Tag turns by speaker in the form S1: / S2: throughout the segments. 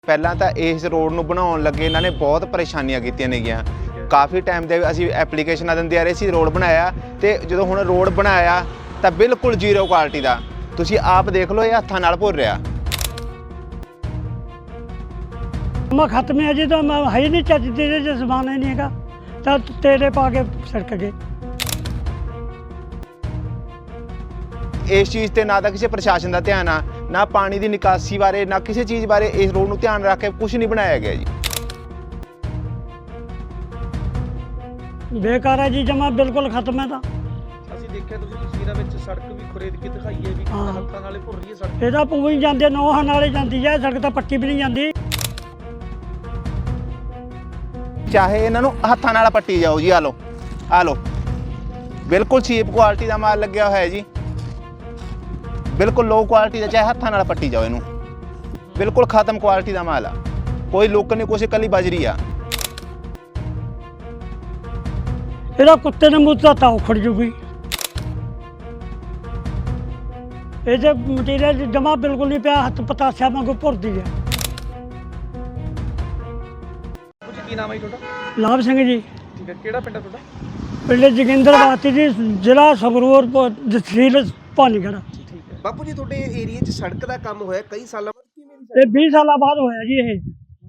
S1: ਪਹਿਲਾਂ ਤਾਂ ਇਸ ਰੋਡ ਨੂੰ ਬਣਾਉਣ ਲੱਗੇ ਇਹਨਾਂ ਨੇ ਬਹੁਤ ਪਰੇਸ਼ਾਨੀਆਂ ਕੀਤੀਆਂ ਨੇਗੀਆਂ। ਕਾਫੀ ਟਾਈਮ ਦੇ ਅਸੀਂ ਐਪਲੀਕੇਸ਼ਨਾਂ ਦਿੰਦੇ ਆ ਰਹੇ ਸੀ, ਰੋਡ ਬਣਾਇਆ ਤੇ ਜਦੋਂ ਹੁਣ ਰੋਡ ਬਣਾਇਆ ਤਾਂ ਬਿਲਕੁਲ ਜ਼ੀਰੋ ਕੁਆਲਿਟੀ ਦਾ। ਤੁਸੀਂ ਆਪ ਦੇਖ ਲਓ, ਇਹ ਹੱਥਾਂ ਨਾਲ ਭੁਰ ਰਿਹਾ।
S2: ਮੈਂ ਖਤਮ ਹੈ ਜੀ, ਤਾਂ ਮੈਂ ਹੈ ਨਹੀਂ ਚੱਜ ਦੇ ਜੇ ਜ਼ਮਾਨ ਹੀ ਨਹੀਂ ਹੈਗਾ ਤਾਂ ਤੇਰੇ ਪਾ ਕੇ ਸੜਕ ਗਏ।
S1: ਇਸ ਚੀਜ਼ ਤੇ ਨਾ ਤਾਂ ਕਿਸੇ ਪ੍ਰਸ਼ਾਸਨ ਦਾ ਧਿਆਨ ਆ, ਨਾ ਪਾਣੀ ਦੀ ਨਿਕਾਸੀ ਬਾਰੇ, ਨਾ ਕਿਸੇ ਚੀਜ਼ ਬਾਰੇ ਇਸ ਰੋਡ ਨੂੰ ਧਿਆਨ ਰੱਖ ਕੇ ਕੁਝ ਨਹੀਂ ਬਣਾਇਆ ਗਿਆ ਜੀ।
S2: ਬੇਕਾਰ ਹੈ ਜੀ, ਜਮਾ ਬਿਲਕੁਲ ਖਤਮ ਹੈ। ਤਾਂ
S3: ਅਸੀਂ ਦੇਖਿਆ ਤੁਸੀਂ ਤਸਵੀਰਾਂ ਵਿੱਚ ਸੜਕ ਵੀ ਖੁਰੇਦ ਕੇ ਦਿਖਾਈ ਹੈ ਵੀ
S2: ਹਾਂ।
S3: ਹੱਥਾਂ ਨਾਲੇ ਭੁਰ ਰਹੀ ਹੈ ਸੜਕ।
S2: ਇਹਦਾ ਪੂਰੀ ਜਾਂਦੇ ਨੋਹਾਂ ਨਾਲੇ ਜਾਂਦੀ ਹੈ ਸੜਕ, ਤਾਂ ਪੱਟੀ ਵੀ ਨਹੀਂ ਜਾਂਦੀ।
S1: ਚਾਹੇ ਇਹਨਾਂ ਨੂੰ ਹੱਥਾਂ ਨਾਲ ਪੱਟੀ ਜਾਓ ਜੀ। ਆ ਲਓ ਬਿਲਕੁਲ ਚੀਪ ਕੁਆਲਿਟੀ ਦਾ ਮਾਲ ਲੱਗਿਆ ਹੋਇਆ ਹੈ ਜੀ, ਬਿਲਕੁਲ ਲੋ ਕੁਆਲਿਟੀ ਦਾ। ਚਾਹੇ ਹੱਥਾਂ ਨਾਲ ਪੱਟੀ ਜਾਓ ਇਹਨੂੰ, ਬਿਲਕੁਲ ਖਤਮ ਕੁਆਲਿਟੀ ਦਾ ਮਾਲ ਆ। ਕੋਈ ਲੁੱਕ ਨਹੀਂ, ਕੁਛ ਇਕੱਲੀ ਬਜਰੀ ਆ।
S2: ਇਹਦਾ ਕੁੱਤੇ ਨੇ ਮੂੰਹ ਤਾਂ ਉਖੜ ਜੂਗੀ। ਇਹ ਜੇ ਮਟੀਰੀਅਲ ਜਮਾ ਬਿਲਕੁਲ ਨਹੀਂ ਪਿਆ, ਹੱਥ ਪਤਾਸਿਆ ਵਾਂਗੂ ਭੁਰਦੀ ਹੈ।
S3: ਕੁਝ ਕੀ ਨਾਮ ਹੈ ਜੀ ਤੁਹਾਡਾ?
S2: ਲਾਭ ਸਿੰਘ ਜੀ।
S3: ਠੀਕ ਹੈ, ਕਿਹੜਾ ਪਿੰਡ ਹੈ ਤੁਹਾਡਾ?
S2: ਪਿੰਡ ਜੋਗਿੰਦਰਵਾਤੀ ਜੀ, ਜ਼ਿਲ੍ਹਾ ਸੰਗਰੂਰ, ਤਹਿਸੀਲ ਭਾਨੀਗੜ੍ਹ।
S3: ਠੀਕ ਹੈ
S4: ਬਾਪੂ ਜੀ, ਤੁਹਾਡੇ ਏਰੀਆ 'ਚ ਸੜਕ ਦਾ ਕੰਮ ਹੋਇਆ ਕਈ ਸਾਲਾਂ ਬਾਅਦ, ਕਿਵੇਂ ਦੀ
S2: ਇਹ 20 ਸਾਲਾਂ ਬਾਅਦ ਹੋਇਆ ਜੀ। ਇਹ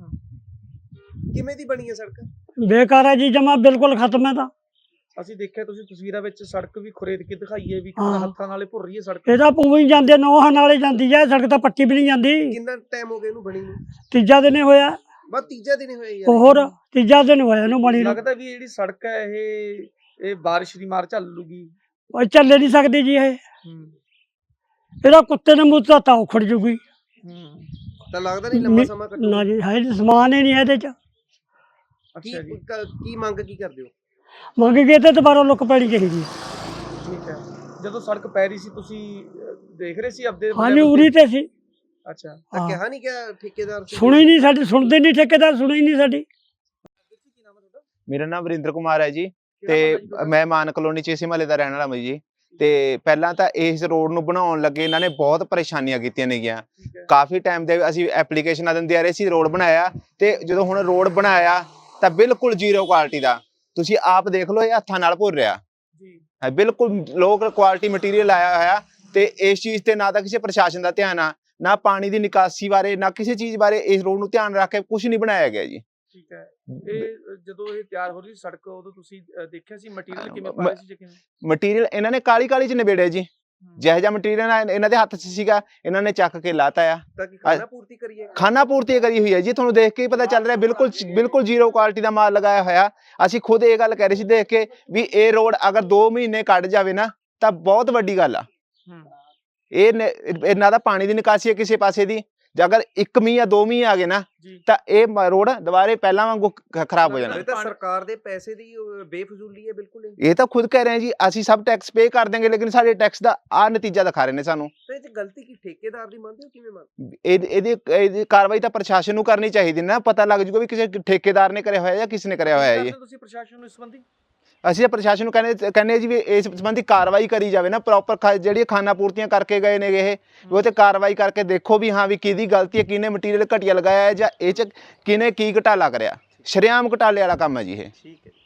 S4: ਕਿਵੇਂ ਦੀ ਬਣੀ ਹੈ ਸੜਕ?
S2: ਬੇਕਾਰ ਹੈ ਜੀ, ਜਮਾ ਬਿਲਕੁਲ ਖਤਮ ਹੈ। ਤਾਂ
S3: ਅਸੀਂ ਦੇਖਿਆ ਤੁਸੀਂ ਤਸਵੀਰਾਂ ਵਿੱਚ ਸੜਕ ਵੀ ਖੁਰੇਦ ਕੇ ਦਿਖਾਈ ਹੈ ਵੀ
S2: ਹਾਂ।
S3: ਹੱਥਾਂ ਨਾਲੇ ਭੁਰ ਰਹੀ ਹੈ ਸੜਕ।
S2: ਇਹਦਾ ਪੂਰੀ ਜਾਂਦੇ ਨੋਹਾਂ ਨਾਲੇ ਜਾਂਦੀ ਹੈ ਸੜਕ, ਤਾਂ ਪੱਟੀ ਵੀ ਨਹੀਂ ਜਾਂਦੀ।
S4: ਕਿੰਨਾ ਟਾਈਮ ਹੋ ਗਿਆ ਇਹਨੂੰ ਬਣੀ ਨੂੰ?
S2: ਤੀਜਾ ਦਿਨ ਹੀ ਹੋਇਆ।
S4: ਬਸ ਤੀਜਾ ਦਿਨ ਹੀ ਹੋਇਆ ਯਾਰ।
S2: ਹੋਰ ਤੀਜਾ ਦਿਨ ਹੋਇਆ ਇਹਨੂੰ ਬਣੀ ਨੂੰ।
S3: ਲੱਗਦਾ ਵੀ ਜਿਹੜੀ ਸੜਕ ਹੈ ਇਹ ਬਾਰਿਸ਼ ਦੀ ਮਾਰ ਝੱਲ ਲੂਗੀ।
S2: ਉਹ ਚੱਲੇ ਨਹੀਂ ਸਕਦੀ ਜੀ ਇਹ। ਇਹਦਾ ਕੁੱਤੇ ਨੇ ਮੂੰਹ ਤਾਂ ਉਖੜ ਜੂਗੀ।
S4: ਤਾਂ ਲੱਗਦਾ ਨਹੀਂ ਲੰਮਾ ਸਮਾਂ ਕੱਟੂ।
S2: ਨਾ ਜੀ, ਹੈ ਸਮਾਨ ਹੀ ਨਹੀਂ ਇਹਦੇ ਚ।
S4: ਕੀ
S3: ਅੱਛਾ ਜੀ,
S4: ਕੀ ਮੰਗ ਕੀ ਕਰਦੇ ਹੋ?
S2: ਮੰਗ ਗਏ ਤੇ ਦੁਬਾਰਾ ਲੁੱਕ ਪੈਣੀ ਚਾਹੀਦੀ।
S3: ਠੀਕ ਹੈ। ਜਦੋਂ ਸੜਕ ਪੈ ਰਹੀ ਸੀ ਤੁਸੀਂ ਦੇਖ ਰਹੇ ਸੀ ਆਪਦੇ
S2: ਹਾਂਜੀ, ਉਰੀ ਤੇ ਸੀ।
S3: ਅੱਛਾ,
S4: ਤਾਂ
S2: ਹਾਂ।
S4: ਕਿਹਾ ਨਹੀਂ ਕਿ ਠੇਕੇਦਾਰ ਸੀ?
S2: ਸੁਣੀ ਨਹੀਂ ਸਾਡੀ, ਸੁਣਦੇ ਨਹੀਂ ਠੇਕੇਦਾਰ, ਸੁਣੀ ਨਹੀਂ ਸਾਡੀ।
S3: ਕੀ ਨਾਮ ਹੈ ਤੁਹਾਡਾ?
S1: ਮੇਰਾ ਨਾਮ ਵਰਿੰਦਰ ਕੁਮਾਰ ਹੈ ਜੀ,
S3: ਕਿਹੜਾ
S1: ਤੇ
S3: ਪਿੰਡ ਹੈ ਜੀ ਤੁਹਾਡਾ?
S1: ਮੈਂ ਮਾਨ ਕਲੋਨੀ 'ਚ ਇਸੇ ਮਹੱਲੇ ਦਾ ਰਹਿਣ ਵਾਲਾ ਹਾਂ ਜੀ। ਤੇ ਪਹਿਲਾਂ ਤਾਂ ਇਸ ਰੋਡ ਨੂੰ ਬਣਾਉਣ ਲੱਗੇ ਇਹਨਾਂ ਨੇ ਬਹੁਤ ਪਰੇਸ਼ਾਨੀਆਂ ਕੀਤੀਆਂ ਨੇਗੀਆਂ।
S3: ਠੀਕ ਹੈ।
S1: ਕਾਫੀ ਟਾਈਮ ਦੇ ਅਸੀਂ ਐਪਲੀਕੇਸ਼ਨਾਂ ਦਿੰਦੇ ਆ ਰਹੇ ਸੀ, ਰੋਡ ਬਣਾਇਆ ਤੇ ਜਦੋਂ ਹੁਣ ਰੋਡ ਬਣਾਇਆ ਤਾਂ ਬਿਲਕੁਲ ਜ਼ੀਰੋ ਕੁਆਲਿਟੀ ਦਾ। ਤੁਸੀਂ ਆਪ ਦੇਖ ਲਓ, ਇਹ ਹੱਥਾਂ ਨਾਲ ਭੁਰ ਰਿਹਾ
S3: ਜੀ।
S1: ਹੈ, ਬਿਲਕੁਲ ਲੋ ਕੁਆਲਿਟੀ ਮਟੀਰੀਅਲ ਆਇਆ ਹੋਇਆ। ਤੇ ਇਸ ਚੀਜ਼ ਤੇ ਨਾ ਤਾਂ ਕਿਸੇ ਪ੍ਰਸ਼ਾਸਨ ਦਾ ਧਿਆਨ ਆ, ਨਾ ਪਾਣੀ ਦੀ ਨਿਕਾਸੀ ਬਾਰੇ, ਨਾ ਕਿਸੇ ਚੀਜ਼ ਬਾਰੇ ਇਸ ਰੋਡ ਨੂੰ ਧਿਆਨ ਰੱਖ ਕੇ ਕੁਝ ਨਹੀਂ ਬਣਾਇਆ ਗਿਆ ਜੀ।
S3: ਠੀਕ ਹੈ। ਜਦੋਂ ਇਹ ਤਿਆਰ ਹੋ ਰਹੀ ਸੜਕ, ਉਦੋਂ ਤੁਸੀਂ ਦੇਖਿਆ ਸੀ ਮਟੀਰੀਅਲ ਕਿਵੇਂ ਪਾ ਰਹੇ ਸੀ ਜਾਂ ਕਿਵੇਂ?
S1: ਮਟੀਰੀਅਲ ਇਹਨਾਂ ਨੇ ਕਾਲੀ ਚ ਨਿਬੇੜਿਆ ਜੀ। ਜਿਹੋ ਜਿਹਾ ਮਟੀਰੀਅਲ ਇਹਨਾਂ ਦੇ ਹੱਥ 'ਚ ਸੀਗਾ, ਇਹਨਾਂ ਨੇ ਚੱਕ ਕੇ ਲਾਤਾ ਆ।
S4: ਤਾਂ ਕਿ ਖਾਣਾ ਪੂਰਤੀ ਕਰੀਏ?
S1: ਖਾਨਾ ਪੂਰਤੀ ਕਰੀ ਹੋਈ ਹੈ ਜੀ, ਤੁਹਾਨੂੰ ਦੇਖ ਕੇ ਹੀ ਪਤਾ ਚੱਲ ਰਿਹਾ। ਬਿਲਕੁਲ ਜ਼ੀਰੋ ਕੁਆਲਿਟੀ ਦਾ ਮਾਲ ਲਗਾਇਆ ਹੋਇਆ। ਅਸੀਂ ਖੁਦ ਇਹ ਗੱਲ ਕਹਿ ਰਹੇ ਸੀ ਦੇਖ ਕੇ ਵੀ ਇਹ ਰੋਡ ਅਗਰ 2 ਮਹੀਨੇ ਕੱਢ ਜਾਵੇ ਨਾ ਤਾਂ ਬਹੁਤ ਵੱਡੀ ਗੱਲ ਆ। ਇਹਨਾਂ ਦਾ ਪਾਣੀ ਦੀ ਨਿਕਾਸੀ ਹੈ ਕਿਸੇ ਪਾਸੇ ਦੀ, ਜੇ ਅਗਰ 1 ਮੀਂਹ ਜਾਂ 2 ਮੀਂਹ ਆ ਗਏ ਨਾ ਤਾਂ ਇਹ ਰੋਡ ਦੁਬਾਰੇ ਪਹਿਲਾਂ ਵਾਂਗੂ ਖਰਾਬ ਹੋ ਜਾਣਾ।
S4: ਇਹ ਤਾਂ ਸਰਕਾਰ ਦੇ ਪੈਸੇ ਦੀ ਬੇਫਜ਼ੂਲੀ ਹੈ ਬਿਲਕੁਲ।
S1: ਇਹ ਤਾਂ ਖੁਦ ਕਹਿ ਰਹੇ ਜੀ, ਅਸੀਂ ਸਭ ਟੈਕਸ ਪੇ ਕਰ ਦੇਂਗੇ, ਲੇਕਿਨ ਸਾਡੇ ਟੈਕਸ ਦਾ ਆ ਨਤੀਜਾ ਦਿਖਾ ਰਹੇ ਨੇ ਸਾਨੂੰ।
S4: ਤਾਂ ਇਹ 'ਚ ਗਲਤੀ ਕੀ ਠੇਕੇਦਾਰ ਦੀ ਮੰਨਦੇ ਹੋ, ਕਿਵੇਂ ਮੰਨਦੇ?
S1: ਇਹਦੀ ਕਾਰਵਾਈ ਤਾਂ ਪ੍ਰਸ਼ਾਸਨ ਨੂੰ ਕਰਨੀ ਚਾਹੀਦੀ ਨਾ। ਪਤਾ ਲੱਗ ਜੂਗਾ ਵੀ ਕਿਸੇ ਠੇਕੇਦਾਰ ਨੇ ਕਰਿਆ ਹੋਇਆ ਜਾਂ ਕਿਸ ਨੇ ਕਰਿਆ ਹੋਇਆ ਹੈ ਜੀ।
S3: ਤੁਸੀਂ ਪ੍ਰਸ਼ਾਸਨ ਨੂੰ ਇਸ ਸੰਬੰਧੀ?
S1: ਅਸੀਂ ਪ੍ਰਸ਼ਾਸਨ ਨੂੰ ਕਹਿੰਦੇ ਜੀ ਵੀ ਇਸ ਸੰਬੰਧੀ ਕਾਰਵਾਈ ਕਰੀ ਜਾਵੇ ਨਾ, ਪ੍ਰੋਪਰ ਜਿਹੜੀ ਖਾਨਾ ਪੂਰਤੀਆਂ ਕਰਕੇ ਗਏ ਨੇ ਇਹ, ਉਹ ਤੇ ਕਾਰਵਾਈ ਕਰਕੇ ਦੇਖੋ ਵੀ ਹਾਂ ਵੀ ਕਿਹਦੀ ਗਲਤੀ ਹੈ, ਕਿਹਨੇ ਮਟੀਰੀਅਲ ਘਟੀਆ ਲਗਾਇਆ ਹੈ ਜਾਂ ਇਹ 'ਚ ਕਿਹਨੇ ਕੀ ਘਟਾਲਾ ਕਰਿਆ। ਸ਼ਰੇਆਮ ਘਟਾਲੇ ਵਾਲਾ ਕੰਮ ਹੈ ਜੀ ਇਹ।
S4: ਠੀਕ ਹੈ।